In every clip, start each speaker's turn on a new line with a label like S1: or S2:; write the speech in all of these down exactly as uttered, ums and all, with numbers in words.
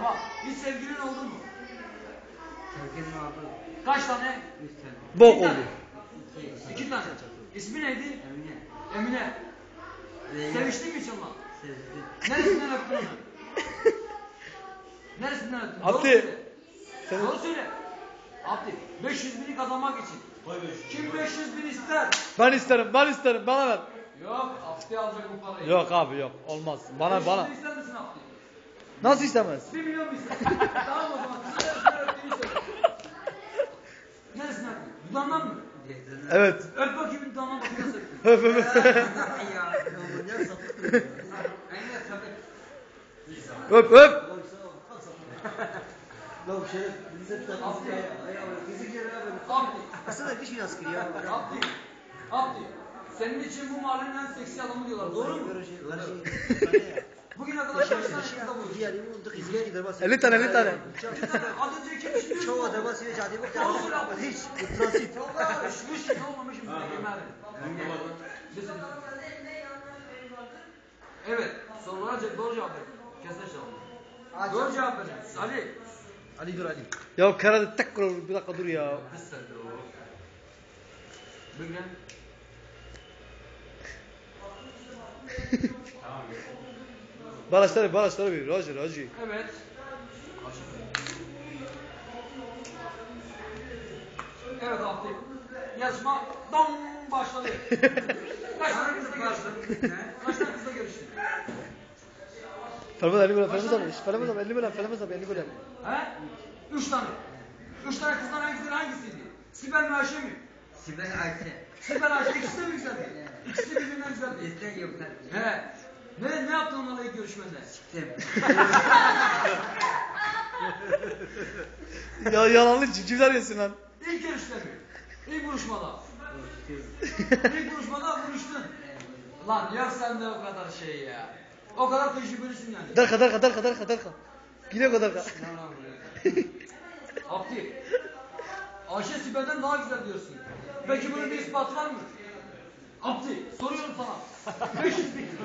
S1: Tamam. Hiç sevgilin oldu mu?
S2: Sevgilim oldu.
S1: Kaç tane?
S2: Üç tane.
S3: Bok
S1: İki
S3: oldu.
S1: tane.
S2: İki.
S1: İki tane. İsmi neydi?
S2: Emine.
S1: Emine.
S2: Leyla.
S1: Seviştin mi hiç onunla?
S2: Sevdim.
S1: Neresinden öptün onu? Neresinden öptün? Doğru
S3: Abdi.
S1: söyle.
S3: Sen-
S1: Doğru söyle. Abdi, beş yüz bini kazanmak için. Kim beş yüz bin ister?
S3: Ben isterim, ben isterim. Bana ver.
S1: Yok, Abdi alacak bu parayı.
S3: Yok abi yok. Olmaz. Bana
S1: beş yüz
S3: bana.
S1: bin ister misin Abdi?
S3: Nasıl istemez?
S1: Bir milyon mu ister? Tamam o zaman. Kızın neresinden öptüğünü söyle. Neresinden öptün? Dudağından mı?
S3: Evet.
S1: Öp bakayım dudağından bakayım nasıl öptün.
S3: Öf öf.
S2: Ya. Ne sapık. Aynen sapık.
S3: Öp öp.
S4: Lan şey, bize bir tane
S1: Abdi.
S4: bizi geri ver.
S1: Abdi.
S4: Aslında bir şey askeri ya.
S1: Abdi. Abdi. Senin için bu mahallenin en seksi adamı diyorlar. Doğru mu? Bugüne kadar kaç tane kızla buluştun?
S3: elli tane elli tane.
S1: Az önce kim düşünüyorsun?
S4: Çoğu adama size cadi bu
S1: Doğru söyle Abdi.
S4: hiç. Bu transit.
S1: Çok alışmış, olmamış mı? Evet, sorulara ce- doğru cevap ver. Kesin cevap. Doğru cevap ver. Ali.
S4: Ali dur Ali.
S3: Ya karada tek kur bir dakika dur ya.
S1: Kız sen de o. Bugün.
S3: Baraçları baraçları bir. Roger Roger.
S1: Evet. Evet Abdi. Yarışma dam başladı. Kaç tane kızla görüştün? Kaç tane kızla görüştün?
S3: Fermez elli milyon. Fermez abi. Fermez abi elli milyon. Fermez abi elli milyon.
S1: He? Üç tane. Üç tane kızdan en güzel hangisiydi? Sibel mi Ayşe mi?
S2: Sibel Ayşe.
S1: Sibel Ayşe ikisi de mi güzeldi? İkisi de birbirinden güzeldi.
S2: İster yok tabii.
S1: He. Ne, ne yaptın onlarla ilk görüşmede?
S2: Siktim.
S3: Ya yalanlı civcivler yesin lan.
S1: İlk görüşte mi? İlk buluşmada. İlk buluşmada buluştun. Lan yok sende o kadar şey ya. O kadar tecrübelisin yani.
S3: Darka darka darka darka darka. Gidiyor kadar darka.
S1: Abdi. Ayşe Sibel'den daha güzel diyorsun. Peki bunun bir ispatı var mı? Abdi soruyorum sana. beş yüz bin.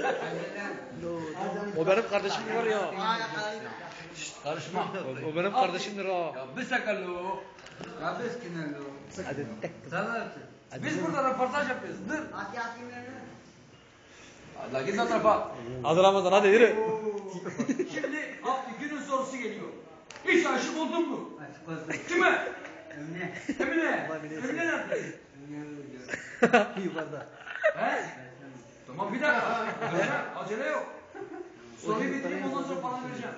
S3: O benim kardeşim var ya.
S1: Karışma.
S3: O, o benim kardeşimdir ha.
S1: Ya bir sakalo.
S2: Ya biz kinelo.
S3: Hadi tek.
S2: Sana
S1: Biz burada röportaj yapıyoruz. Dur.
S2: Hadi atayım yani.
S1: Allah git o tarafa.
S3: Hadi Ramazan hadi yürü.
S1: Şimdi Abdi günün sorusu geliyor. Hiç aşık oldun mu?
S2: Açık olsun.
S1: Kime?
S2: Emine.
S1: Emine. Emine nerede?
S4: Yukarıda.
S1: He? Tamam bir dakika. Acele, acele yok. Soruyu bitireyim ondan sonra falan vereceğim.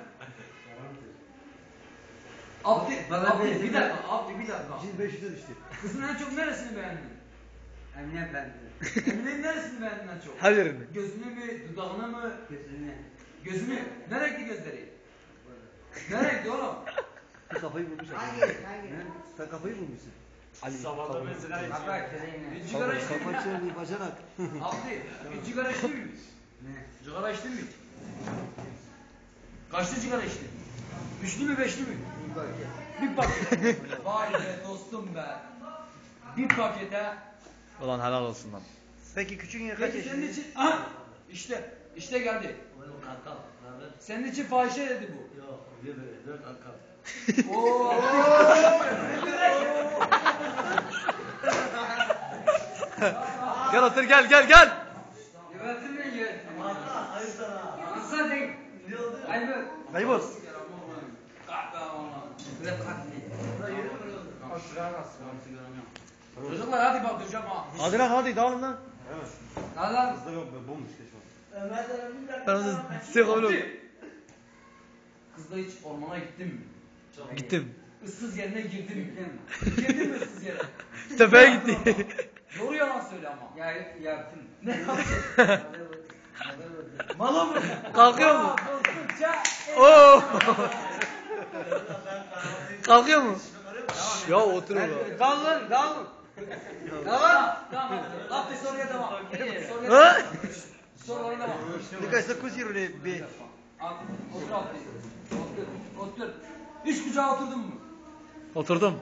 S1: Abdi,
S2: Bana
S1: Abdi
S2: bir-
S1: bir dakika, Abdi bir dakika.
S4: Şimdi beş yüze düştü.
S1: Kızın en çok neresini beğendin?
S2: Emine ben.
S1: Emine'nin neresini beğendin en çok?
S3: Her yerini.
S1: Gözünü mü, dudağını mı?
S2: Gözüne.
S1: Gözünü. Ne renkli gözleri? Ne renkli oğlum?
S4: Sen kafayı bulmuş.
S2: Hangi? Hangi?
S4: Sen kafayı bulmuşsun.
S3: Ali.
S2: Baba kırayım.
S1: Bir sigara içtin mi?
S4: Kafa çördü bacanak.
S1: Abdi, bir sigara içtin mi?
S2: Ne?
S1: Sigara içtin mi? Kaçlı sigara içtin? Üçlü mü beşli mi? Bir paket. Vay be dostum be. Bir pakete.
S3: Ulan helal olsun lan.
S4: Peki küçüğün kaç
S1: Peki senin
S4: yaşında?
S1: için... Aha! İşte, işte geldi. Senin için fahişe dedi bu.
S4: Yok, öyle böyle. Dört kanka.
S1: Oo!
S3: Gel otur gel gel gel.
S2: Yönetim mi yönetim?
S4: Hayır sana.
S2: Nasıl değil?
S4: Ne oldu?
S2: Ayıbı.
S3: Kaybol.
S2: Böyle kalkmayın.
S1: Çocuklar hadi bak duracağım ha.
S3: Hadi lan hadi dağılın lan.
S2: Adam.
S4: Kızda yok be bomboş keşke.
S3: Ben onu size kabul oldum.
S1: Kızla hiç ormana gittin mi?
S3: Gittim.
S1: Issız yerine girdin mi? Girdin mi ıssız yere?
S3: Tepeye gitti.
S1: Doğru yalan söyle ama.
S2: Ya yaptım.
S1: Ne yaptın? Mala mı?
S3: Kalkıyor mu?
S1: Aa, korkunca-
S3: Oo. Kalkıyor mu? Ya otur orada.
S2: Kalın, kalın.
S1: Tamam. Tamam. Abdi soruya devam. Soruya
S3: Ha?
S1: devam. Sorulara devam.
S4: Nikaj sa kuziru ne be.
S1: Abdi, otur Abdi. Otur. Otur. Üç kucağa oturdun mu?
S3: Oturdum.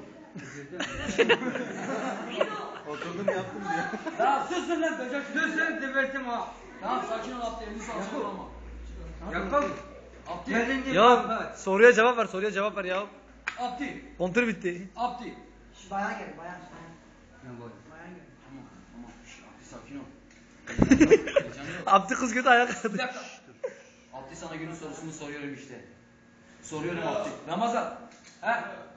S4: Oturdum yaptım diyor.
S1: Ya susun lan böcek.
S2: Dur sen tebertim ha.
S1: Tamam sakin ol Abdi. Elini sağ olma.
S2: Yakal.
S1: Abdi.
S2: Gelince
S3: Ya
S2: bak.
S3: soruya cevap ver, soruya cevap ver ya.
S1: Abdi.
S3: Kontür bitti.
S1: Abdi.
S5: Şu bayan gel, bayan.
S2: Ne bu?
S5: Bayan gel.
S1: Tamam tamam. Şş, Abdi sakin ol. Heyecan yok.
S3: Abdi kız kötü ayak
S1: Bir
S3: kaldı.
S1: dakika. Abdi sana günün sorusunu soruyorum işte. Soruyorum Abdi. Ramazan. He?